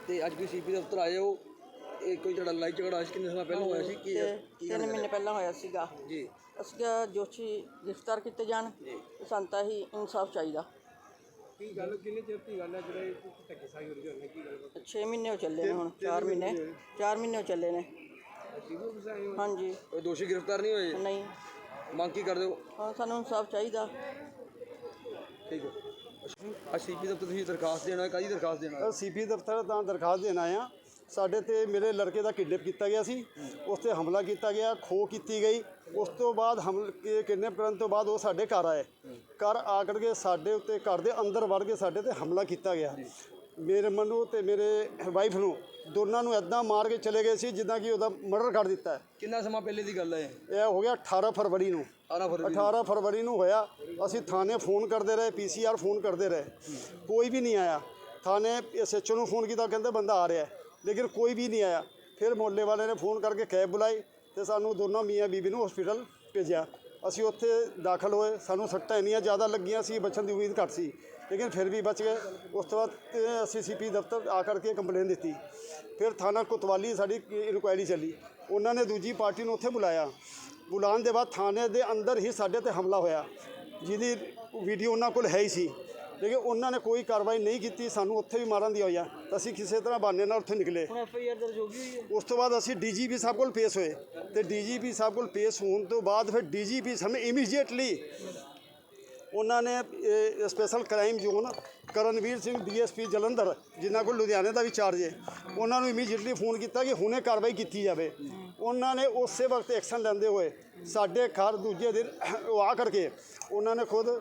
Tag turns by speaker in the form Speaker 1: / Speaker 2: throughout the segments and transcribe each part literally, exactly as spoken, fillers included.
Speaker 1: ਤੇ ਅੱਜ ਵੀ ਸੀਪੀ ਦਫ਼ਤਰ ਆਏ ਹੋ, ਇਹ ਕੋਈ ਜਿਹੜਾ ਲੜਾਈ ਝਗੜਾ ਸੀ ਕਿੰਨੇ ਸਮਾਂ ਪਹਿਲਾਂ ਹੋਇਆ ਸੀ? ਕੀ
Speaker 2: ਤਿੰਨ ਮਹੀਨੇ ਪਹਿਲਾਂ ਹੋਇਆ ਸੀਗਾ
Speaker 1: ਜੀ।
Speaker 2: ਅਸੀਂ ਦੋਸ਼ੀ ਗ੍ਰਿਫਤਾਰ ਕੀਤੇ ਜਾਣ, ਸਾਨੂੰ ਤਾਂ ਹੀ ਇਨਸਾਫ ਚਾਹੀਦਾ। ਕੀ ਗੱਲ ਕਿੰਨੇ ਚਿਰ ਦੀ ਗੱਲ ਹੈ ਜਿਹੜੇ ਧੱਕੇ ਸਾਈ ਹੋ ਰਹੀ ਹੈ? ਕੀ ਗੱਲ? ਛੇ ਮਹੀਨੇ ਹੋ ਚੱਲੇ ਨੇ, ਹੁਣ ਚਾਰ ਮਹੀਨੇ ਚਾਰ ਮਹੀਨੇ ਹੋ ਚੱਲੇ ਨੇ। ਹਾਂਜੀ।
Speaker 1: ਕੋਈ ਦੋਸ਼ੀ ਗ੍ਰਿਫਤਾਰ ਨਹੀਂ ਹੋਏ?
Speaker 2: ਨਹੀਂ।
Speaker 1: ਮੰਗ ਕੀ ਕਰਦੇ ਹੋ?
Speaker 2: ਹਾਂ, ਸਾਨੂੰ ਇਨਸਾਫ ਚਾਹੀਦਾ।
Speaker 1: ਠੀਕ ਹੈ। ਅੱਜ ਸੀਪੀ ਦਫ਼ਤਰ ਤੁਸੀਂ ਦਰਖਾਸਤ ਦੇਣਾ, ਕਾਹਦੀ ਦਰਖਾਸਤ ਦੇਣਾ?
Speaker 3: ਸੀਪੀ ਦਫ਼ਤਰ ਤਾਂ ਦਰਖਾਸਤ ਦੇਣ ਆਏ ਹਾਂ। ਸਾਡੇ ਤੇ ਮੇਰੇ ਲੜਕੇ ਦਾ ਕਿਡਨੈਪ ਕੀਤਾ ਗਿਆ ਸੀ, ਉਸ 'ਤੇ ਹਮਲਾ ਕੀਤਾ ਗਿਆ, ਖੋਹ ਕੀਤੀ ਗਈ। ਉਸ ਤੋਂ ਬਾਅਦ ਹਮਲ ਕਿਡਨੈਪ ਕਰਨ ਤੋਂ ਬਾਅਦ ਉਹ ਸਾਡੇ ਘਰ ਆਏ। ਘਰ ਆ ਕਰਕੇ ਸਾਡੇ ਉੱਤੇ ਘਰ ਦੇ ਅੰਦਰ ਵੜ ਕੇ ਸਾਡੇ 'ਤੇ ਹਮਲਾ ਕੀਤਾ ਗਿਆ। ਮੇਰੇ ਮੈਨੂੰ ਅਤੇ ਮੇਰੇ ਵਾਈਫ ਨੂੰ ਦੋਨਾਂ ਨੂੰ ਇੱਦਾਂ ਮਾਰ ਕੇ ਚਲੇ ਗਏ ਸੀ ਜਿੱਦਾਂ ਕਿ ਉਹਦਾ ਮਰਡਰ ਕਰ ਦਿੱਤਾ ਹੈ।
Speaker 1: ਕਿੰਨਾ ਸਮਾਂ ਪਹਿਲੇ ਦੀ ਗੱਲ ਹੈ
Speaker 3: ਇਹ ਹੋ ਗਿਆ ਅਠਾਰਾਂ ਫਰਵਰੀ ਨੂੰ। ਅਠਾਰਾਂ ਫਰਵਰੀ ਨੂੰ ਹੋਇਆ। ਅਸੀਂ ਥਾਣੇ ਫੋਨ ਕਰਦੇ ਰਹੇ, ਪੀ ਸੀ ਆਰ ਫੋਨ ਕਰਦੇ ਰਹੇ, ਕੋਈ ਵੀ ਨਹੀਂ ਆਇਆ। ਥਾਣੇ ਐਸ ਐਚ ਓ ਨੂੰ ਫੋਨ ਕੀਤਾ, ਕਹਿੰਦੇ ਬੰਦਾ ਆ ਰਿਹਾ, ਲੇਕਿਨ ਕੋਈ ਵੀ ਨਹੀਂ ਆਇਆ। ਫਿਰ ਮੁਹੱਲੇ ਵਾਲੇ ਨੇ ਫੋਨ ਕਰਕੇ ਕੈਬ ਬੁਲਾਈ ਅਤੇ ਸਾਨੂੰ ਦੋਨੋਂ ਮੀਆਂ ਬੀਬੀ ਨੂੰ ਹਸਪੀਟਲ ਭੇਜਿਆ। ਅਸੀਂ ਉੱਥੇ ਦਾਖਲ ਹੋਏ। ਸਾਨੂੰ ਸੱਟਾਂ ਇੰਨੀਆਂ ਜ਼ਿਆਦਾ ਲੱਗੀਆਂ ਸੀ, ਬਚਣ ਦੀ ਉਮੀਦ ਘੱਟ ਸੀ, ਲੇਕਿਨ ਫਿਰ ਵੀ ਬਚ ਗਏ। ਉਸ ਤੋਂ ਬਾਅਦ ਅਸੀਂ ਸੀ ਪੀ ਦਫ਼ਤਰ ਆ ਕਰਕੇ ਕੰਪਲੇਨ ਦਿੱਤੀ। ਫਿਰ ਥਾਣਾ ਕੋਤਵਾਲੀ ਸਾਡੀ ਇਨਕੁਆਇਰੀ ਚੱਲੀ। ਉਹਨਾਂ ਨੇ ਦੂਜੀ ਪਾਰਟੀ ਨੂੰ ਉੱਥੇ ਬੁਲਾਇਆ। ਬੁਲਾਉਣ ਦੇ ਬਾਅਦ ਥਾਣੇ ਦੇ ਅੰਦਰ ਹੀ ਸਾਡੇ 'ਤੇ ਹਮਲਾ ਹੋਇਆ, ਜਿਹਦੀ ਵੀਡੀਓ ਉਹਨਾਂ ਕੋਲ ਹੈ ਹੀ ਸੀ, ਲੇਕਿਨ ਉਹਨਾਂ ਨੇ ਕੋਈ ਕਾਰਵਾਈ ਨਹੀਂ ਕੀਤੀ। ਸਾਨੂੰ ਉੱਥੇ ਵੀ ਮਾਰਨ ਦੀ ਹੋਇਆ। ਅਸੀਂ ਕਿਸੇ ਤਰ੍ਹਾਂ ਬਹਾਨੇ ਨਾਲ ਉੱਥੇ ਨਿਕਲੇ।
Speaker 2: ਹੁਣ ਐਫ ਆਈ ਆਰ ਦਰਜ ਹੋ ਗਈ ਹੋਈ ਹੈ।
Speaker 3: ਉਸ ਤੋਂ ਬਾਅਦ ਅਸੀਂ ਡੀ ਜੀ ਪੀ ਸਾਹਿਬ ਕੋਲ ਪੇਸ਼ ਹੋਏ ਅਤੇ ਡੀ ਜੀ ਪੀ ਸਾਹਿਬ ਕੋਲ ਪੇਸ਼ ਹੋਣ ਤੋਂ ਬਾਅਦ ਫਿਰ ਡੀ ਜੀ ਪੀ ਸਾਨੂੰ ਇਮੀਡੀਏਟਲੀ ਉਹਨਾਂ ਨੇ special crime zone Karanveer Singh D S P Jalandhar, ਜਿਨ੍ਹਾਂ ਕੋਲ ਲੁਧਿਆਣੇ ਦਾ ਵੀ ਚਾਰਜ ਹੈ, ਉਹਨਾਂ ਨੂੰ ਇਮੀਡੀਏਟਲੀ ਫੋਨ ਕੀਤਾ ਕਿ ਹੁਣੇ ਕਾਰਵਾਈ ਕੀਤੀ ਜਾਵੇ। ਉਹਨਾਂ ਨੇ ਉਸੇ ਵਕਤ ਐਕਸ਼ਨ ਲੈਂਦੇ ਹੋਏ ਸਾਡੇ ਘਰ ਦੂਜੇ ਦਿਨ ਉਹ ਆ ਕਰਕੇ ਉਹਨਾਂ ਨੇ ਖੁਦ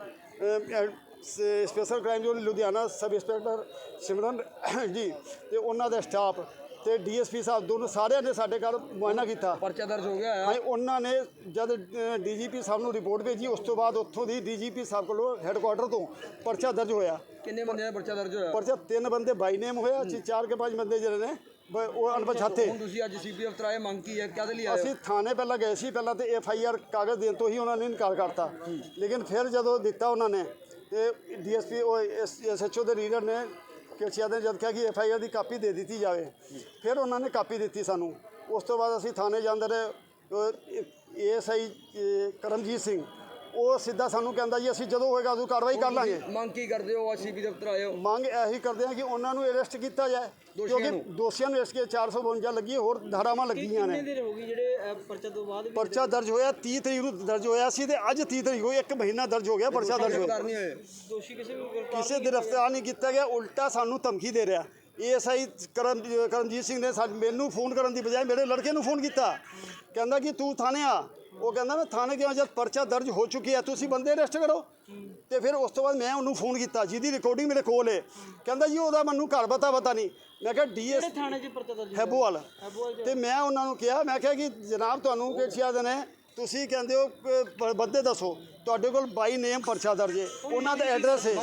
Speaker 3: special crime zone Ludhiana sub inspector Simran ji ਅਤੇ ਉਹਨਾਂ ਦਾ ਸਟਾਫ ਅਤੇ ਡੀ ਐਸ ਪੀ ਸਾਹਿਬ ਦੋਨੋਂ ਸਾਰਿਆਂ ਨੇ ਸਾਡੇ ਘਰ ਮੁਆਇਨਾ ਕੀਤਾ।
Speaker 1: ਪਰਚਾ ਦਰਜ ਹੋ ਗਿਆ?
Speaker 3: ਹਾਂ, ਉਹਨਾਂ ਨੇ ਜਦ ਡੀ ਜੀ ਪੀ ਸਾਹਿਬ ਨੂੰ ਰਿਪੋਰਟ ਭੇਜੀ, ਉਸ ਤੋਂ ਬਾਅਦ ਉੱਥੋਂ ਦੀ ਡੀ ਜੀ ਪੀ ਸਾਹਿਬ ਕੋਲੋਂ ਹੈੱਡਕੁਆਟਰ ਤੋਂ ਪਰਚਾ ਦਰਜ ਹੋਇਆ।
Speaker 1: ਕਿੰਨੇ ਬੰਦਿਆਂ ਦਾ ਪਰਚਾ ਦਰਜ ਹੋਇਆ?
Speaker 3: ਪਰਚਾ ਤਿੰਨ ਬੰਦੇ ਬਾਈ ਨੇਮ ਹੋਇਆ ਸੀ, ਚਾਰ ਕੇ ਪੰਜ ਬੰਦੇ ਜਿਹੜੇ ਨੇ ਉਹ ਅਣਪਛਾਤੇ।
Speaker 1: ਹੁਣ ਤੁਸੀਂ ਅੱਜ ਸੀਪੀ ਦਫ਼ਤਰ ਆਏ, ਮੰਗ ਕੀ ਹੈ, ਕਾਹਦੇ ਲਈ ਆਏ?
Speaker 3: ਅਸੀਂ ਥਾਣੇ ਪਹਿਲਾਂ ਗਏ ਸੀ, ਪਹਿਲਾਂ ਤਾਂ ਐਫ ਆਈ ਆਰ ਕਾਗਜ਼ ਦੇਣ ਤੋਂ ਹੀ ਉਹਨਾਂ ਨੇ ਇਨਕਾਰ ਕਰਤਾ, ਲੇਕਿਨ ਫਿਰ ਜਦੋਂ ਦਿੱਤਾ ਉਹਨਾਂ ਨੇ ਤੇ ਡੀ ਐਸ ਪੀ ਉਹ ਐਸ ਐਚ ਓ ਦੇ ਰੀਡਰ ਨੇ ਕਿਰਚਿਆ ਨੇ ਜਦ ਕਿਹਾ ਕਿ ਐਫ ਆਈ ਆਰ ਦੀ ਕਾਪੀ ਦੇ ਦਿੱਤੀ ਜਾਵੇ, ਫਿਰ ਉਹਨਾਂ ਨੇ ਕਾਪੀ ਦਿੱਤੀ ਸਾਨੂੰ। ਉਸ ਤੋਂ ਬਾਅਦ ਅਸੀਂ ਥਾਣੇ ਜਾਂਦੇ ਰਹੇ। A S I Karamjit Singh ਉਹ ਸਿੱਧਾ ਸਾਨੂੰ ਕਹਿੰਦਾ ਜੀ ਅਸੀਂ ਜਦੋਂ ਹੋਏਗਾ ਉਦੋਂ ਕਾਰਵਾਈ ਕਰ ਲਾਂਗੇ।
Speaker 1: ਮੰਗ ਕੀ ਕਰਦੇ ਹੋ? ਅੱਜ ਸੀਪੀ ਦਫ਼ਤਰ ਆਏ ਹੋ।
Speaker 3: ਮੰਗ ਇਹੀ ਕਰਦੇ ਹਾਂ ਕਿ ਉਹਨਾਂ ਨੂੰ ਅਰੈਸਟ ਕੀਤਾ ਜਾਏ, ਕਿਉਂਕਿ ਦੋਸ਼ੀਆਂ ਨੂੰ ਇਸ ਕੇ ਚਾਰ ਸੌ ਬਵੰਜਾ ਲੱਗੀ, ਹੋਰ ਧਾਰਾਵਾਂ ਲੱਗੀਆਂ ਨੇ।
Speaker 2: ਕਿੰਨੇ ਦਿਨ ਹੋ ਗਈ ਜਿਹੜੇ ਪਰਚਾ ਤੋਂ ਬਾਅਦ?
Speaker 3: ਪਰਚਾ ਦਰਜ ਹੋਇਆ ਤੀਹ ਤਰੀਕ ਨੂੰ ਦਰਜ ਹੋਇਆ ਸੀ, ਤੇ ਅੱਜ ਤੀਹ ਤਰੀਕ ਹੋਈ, ਇੱਕ ਮਹੀਨਾ ਦਰਜ ਹੋ ਗਿਆ। ਪਰਚਾ ਦਰਜ ਹੋਇਆ,
Speaker 2: ਦੋਸ਼ੀ ਕਿਸੇ ਵੀ
Speaker 3: ਕਿਸੇ ਗ੍ਰਿਫਤਾਰ ਨਹੀਂ ਕੀਤਾ ਗਿਆ, ਉਲਟਾ ਸਾਨੂੰ ਧਮਕੀ ਦੇ ਰਿਹਾ। A S I Karam Karamjit Singh ਨੇ ਸਾਨੂੰ ਮੈਨੂੰ ਫੋਨ ਕਰਨ ਦੀ ਬਜਾਏ ਮੇਰੇ ਲੜਕੇ ਨੂੰ ਫੋਨ ਕੀਤਾ, ਕਹਿੰਦਾ ਕਿ ਤੂੰ ਥਾਣੇ ਆ। ਉਹ ਕਹਿੰਦਾ ਮੈਂ ਥਾਣੇ ਗਿਆ, ਜਦ ਪਰਚਾ ਦਰਜ ਹੋ ਚੁੱਕੀ ਹੈ ਤੁਸੀਂ ਬੰਦੇ ਅਰੈਸਟ ਕਰੋ। ਤੇ ਫਿਰ ਉਸ ਤੋਂ ਬਾਅਦ ਮੈਂ ਉਹਨੂੰ ਫੋਨ ਕੀਤਾ, ਜਿਹਦੀ ਰਿਕਾਰਡਿੰਗ ਮੇਰੇ ਕੋਲ ਹੈ। ਕਹਿੰਦਾ ਜੀ ਉਹਦਾ ਮੈਨੂੰ ਘਰ ਪਤਾ ਪਤਾ ਨਹੀਂ। ਮੈਂ ਕਿਹਾ ਡੀ ਐਸ
Speaker 2: ਥਾਣੇ 'ਚ ਪਰਚਾ ਦਰਜ
Speaker 3: ਹੈਬੋਵਾਲ, ਤੇ ਮੈਂ ਉਹਨਾਂ ਨੂੰ ਕਿਹਾ, ਮੈਂ ਕਿਹਾ ਕਿ ਜਨਾਬ ਤੁਹਾਨੂੰ ਕਿਹੜੀਆਂ ਦੇ ਨੇ, ਤੁਸੀਂ ਕਹਿੰਦੇ ਹੋ ਬੰਦੇ ਦੱਸੋ, ਤੁਹਾਡੇ ਕੋਲ ਬਾਈ ਨੇਮ ਪਰਚਾ ਦਰਜ ਹੈ, ਉਹਨਾਂ ਦਾ ਐਡਰੈਸ ਹੈ।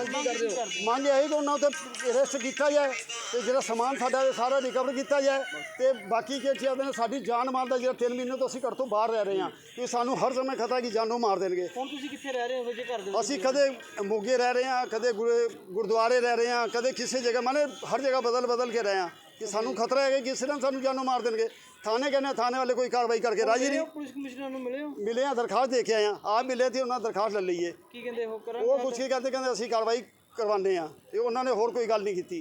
Speaker 3: ਮੰਗ ਇਹ ਕਿ ਉਹਨਾਂ ਉੱਤੇ ਅਰੈਸਟ ਕੀਤਾ ਜਾਏ ਅਤੇ ਜਿਹੜਾ ਸਮਾਨ ਸਾਡਾ ਸਾਰਾ ਰਿਕਵਰ ਕੀਤਾ ਜਾਏ, ਅਤੇ ਬਾਕੀ ਕਿਹੜੀਆਂ ਦੇ ਨੇ ਸਾਡੀ ਜਾਨ ਮਾਲ ਦਾ ਜਿਹੜਾ ਤਿੰਨ ਮਹੀਨੇ ਤੋਂ ਅਸੀਂ ਘਰ ਤੋਂ ਬਾਹਰ ਰਹਿ ਰਹੇ ਹਾਂ, ਕਿ ਸਾਨੂੰ ਹਰ ਸਮੇਂ ਖਤਰਾ ਕਿ ਜਾਨੋਂ ਮਾਰ ਦੇਣਗੇ।
Speaker 2: ਹੁਣ ਤੁਸੀਂ ਕਿੱਥੇ ਰਹਿ ਰਹੇ ਹੋ ਜੇ ਘਰ ਦੇ?
Speaker 3: ਅਸੀਂ ਕਦੇ ਮੋਗੇ ਰਹਿ ਰਹੇ ਹਾਂ, ਕਦੇ ਗੁਰਦੁਆਰੇ ਰਹਿ ਰਹੇ ਹਾਂ, ਕਦੇ ਕਿਸੇ ਜਗ੍ਹਾ, ਮਾਨੇ ਹਰ ਜਗ੍ਹਾ ਬਦਲ ਬਦਲ ਕੇ ਰਹੇ ਹਾਂ ਕਿ ਸਾਨੂੰ ਖਤਰਾ ਹੈ ਕਿ ਕਿਸੇ ਦਿਨ ਸਾਨੂੰ ਜਾਨੋਂ ਮਾਰ ਦੇਣਗੇ। ਥਾਣੇ ਕਹਿੰਦੇ ਥਾਣੇ ਵਾਲੇ ਕੋਈ ਕਾਰਵਾਈ ਕਰਕੇ ਰਾਜੀ ਨਹੀਂ।
Speaker 2: ਪੁਲਿਸ ਕਮਿਸ਼ਨਰ ਨੂੰ ਮਿਲੇ ਹੋ?
Speaker 3: ਮਿਲੇ ਆ, ਦਰਖਾਸਤ ਦੇ ਕੇ ਆਏ ਆ। ਆਪ ਮਿਲੇ ਤੇ ਉਹਨਾਂ ਦਰਖਾਸਤ ਲੈ ਲਈਏ।
Speaker 2: ਕੀ ਕਹਿੰਦੇ ਉਹ?
Speaker 3: ਉਹ ਕੁਛ ਕੀ ਕਹਿੰਦੇ, ਕਹਿੰਦੇ ਅਸੀਂ ਕਾਰਵਾਈ ਕਰਵਾਉਂਦੇ ਹਾਂ, ਤੇ ਉਹਨਾਂ ਨੇ ਹੋਰ ਕੋਈ ਗੱਲ ਨਹੀਂ ਕੀਤੀ।